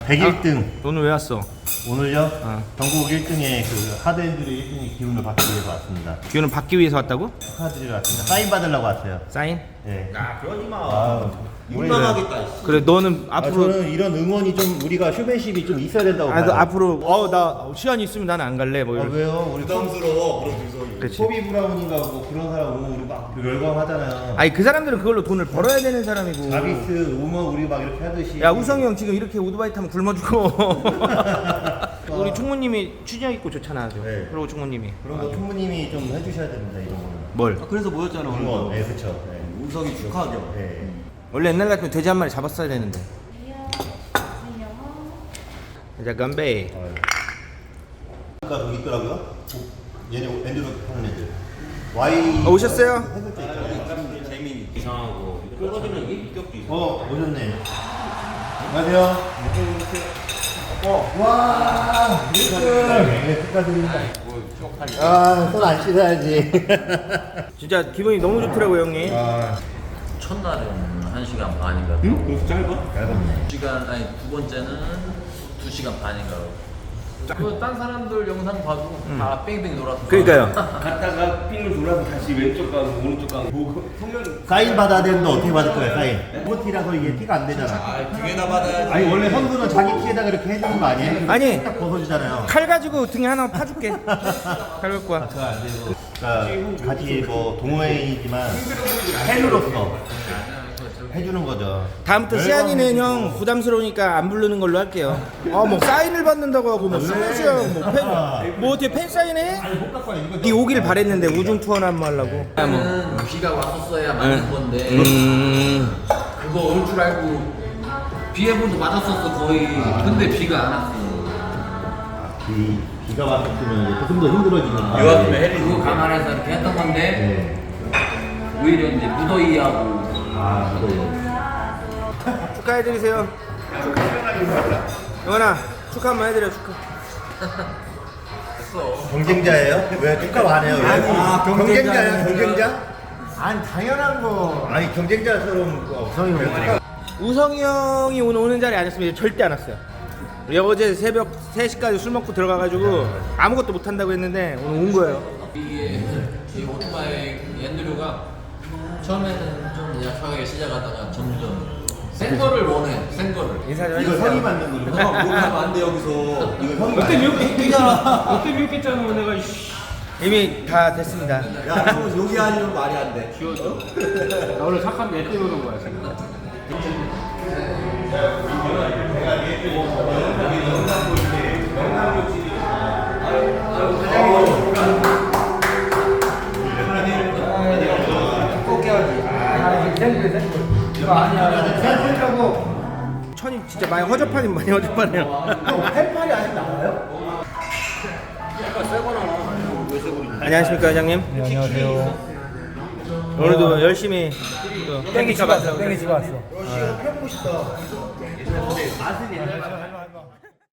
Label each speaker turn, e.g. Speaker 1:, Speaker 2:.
Speaker 1: 101등.
Speaker 2: 오늘 왜 왔어?
Speaker 1: 오늘요? 전국 1등의 그 하드엔드의 1등의 기운을 받기 위해서 왔습니다.
Speaker 2: 기운을 받기 위해서 왔다고?
Speaker 1: 축하드리러 왔습니다. 사인 받으려고 왔어요.
Speaker 2: 사인?
Speaker 1: 네.
Speaker 3: 야 그러지 마.
Speaker 1: 우리는-
Speaker 3: 민망하겠다.
Speaker 2: 그래 너는 앞으로
Speaker 1: 저는 이런 응원이 좀 우리가 쇼맨십이 좀 있어야 된다고 봐요.
Speaker 2: 너 앞으로 나 시간이 있으면 나는 안 갈래 뭐 이런.
Speaker 1: 왜요? 우리
Speaker 3: 부담스러워 그런 분석이.
Speaker 2: 그렇지.
Speaker 1: 소비 브라운인가 뭐 그런 사람 오면 우리 막 열광하잖아요.
Speaker 2: 아니 그 사람들은 그걸로 돈을 벌어야 되는 사람이고.
Speaker 1: 자비스 오면 우리 막 이렇게 하듯이.
Speaker 2: 야 우성이 형 지금 이렇게 오토바이 타면 굶어 죽어. 우리 총무님이 취재 있고 좋잖아 아주.
Speaker 1: 네.
Speaker 2: 그리고 총무님이
Speaker 1: 그런 거 총무님이 좀 해주셔야 됩니다 이런 거는.
Speaker 2: 뭘?
Speaker 3: 그래서 모였잖아 오늘.
Speaker 1: 응원. 네, 그렇죠. 네.
Speaker 3: 우석이 축하하죠.
Speaker 1: 네.
Speaker 2: 원래 옛날 같으면 돼지 한 마리 잡았어야 되는데. 자 건배.
Speaker 1: 아까 여기 있더라고요. 얘네 엔드로 하는 애들. Y.
Speaker 2: 오셨어요?
Speaker 1: 해볼 때 있잖아요.
Speaker 3: 재민이 이상하고 끌어지는 게 인격도 이상.
Speaker 1: 오셨네. 안녕하세요. 와, 축하드립니다. 손 안 씻어야지.
Speaker 2: 진짜 기분이 너무 좋더라고요 형님.
Speaker 4: 첫날은 1시간 반인가.
Speaker 3: 응? 그렇게 짧아?
Speaker 1: 얇았네.
Speaker 4: 2시간 아니 두 번째는 2시간 반인가. 그딴 사람들 영상 봐도 다 뺑뺑 돌아서.
Speaker 2: 그러니까요.
Speaker 5: 갔다가 핀을 돌아서 다시 왼쪽 가고 오른쪽 가고 보고 성면
Speaker 1: 사인 받아야 되는데 어떻게 받을 거야, 사인? 모티라서 이게 티가 안 되잖아.
Speaker 3: 등에다 받아야지.
Speaker 1: 아니, 원래 선수는 자기 티에다가 이렇게 해주는 거 아니에요?
Speaker 2: 아니.
Speaker 1: 딱 벗어주잖아요.
Speaker 2: 칼 가지고 등에 하나 파줄게. 칼 갖고 와.
Speaker 1: 그러니까 같이 뭐 동호회이지만 팬으로서 해주는 거죠.
Speaker 2: 다음부터 시안이는 형 부담스러우니까 안 부르는 걸로 할게요. 뭐 사인을 받는다고 하고 뭐 스무시야 뭐 어떻게 팬 사인해? 네 오길 바랬는데 우중 투어나 한번 하려고.
Speaker 4: 그는 비가 왔었어야 맞는 건데 그거 올 줄 알고 비 예보도 맞았었어 거의. 근데 비가 안 왔어.
Speaker 1: 비가 왔으면 이제 조금 더 힘들어지는
Speaker 3: 요 앞에 해리.
Speaker 4: 그거 감안해서 이렇게 했던 건데 오히려 이제 무더위하고.
Speaker 2: 축하해드리세요. 영원아 축하 한번 해드려 축하.
Speaker 1: 경쟁자예요? 왜 축하 안 해요? 왜? 경쟁자야, 경쟁자?
Speaker 6: 아니 당연한 거.
Speaker 1: 아니 경쟁자처럼 성이 왜 축하?
Speaker 2: 우성이 형이 오늘 오는 자리에 안 했으면 절대 안 왔어요. 우리 어제 새벽 3시까지 술 먹고 들어가가지고 아무것도 못 한다고 했는데 오늘 온 거예요.
Speaker 4: 이 오토바이 앤드류가 처음에는 좀 약하게 시작하다가 점점 센 거를 원해. 센 거를.
Speaker 2: 인사 좀
Speaker 1: 이거
Speaker 2: 해주세요.
Speaker 1: 성이 맞는 거죠?
Speaker 3: 욕하면 안 돼 여기서.
Speaker 1: 이거 성이
Speaker 5: 그때
Speaker 1: 맞는
Speaker 5: 미역했잖아. 그때 미역했잖아. 내가
Speaker 2: 이미 다 됐습니다.
Speaker 3: 야 형 여기 아니면 말이 안 돼.
Speaker 5: 나 원래 착한 내 때문에 거야 지금.
Speaker 2: 천이 진짜 많이 허접하니 많이 허접하네요.
Speaker 6: 팬팔이 아직 나와요?
Speaker 2: 안녕하십니까 회장님.
Speaker 6: 네, 안녕하세요.
Speaker 2: 오늘도 열심히 또 땡기 잡았어.
Speaker 6: 땡기 집에 왔어.
Speaker 1: 거. 펴보고 싶다.
Speaker 6: 해봐.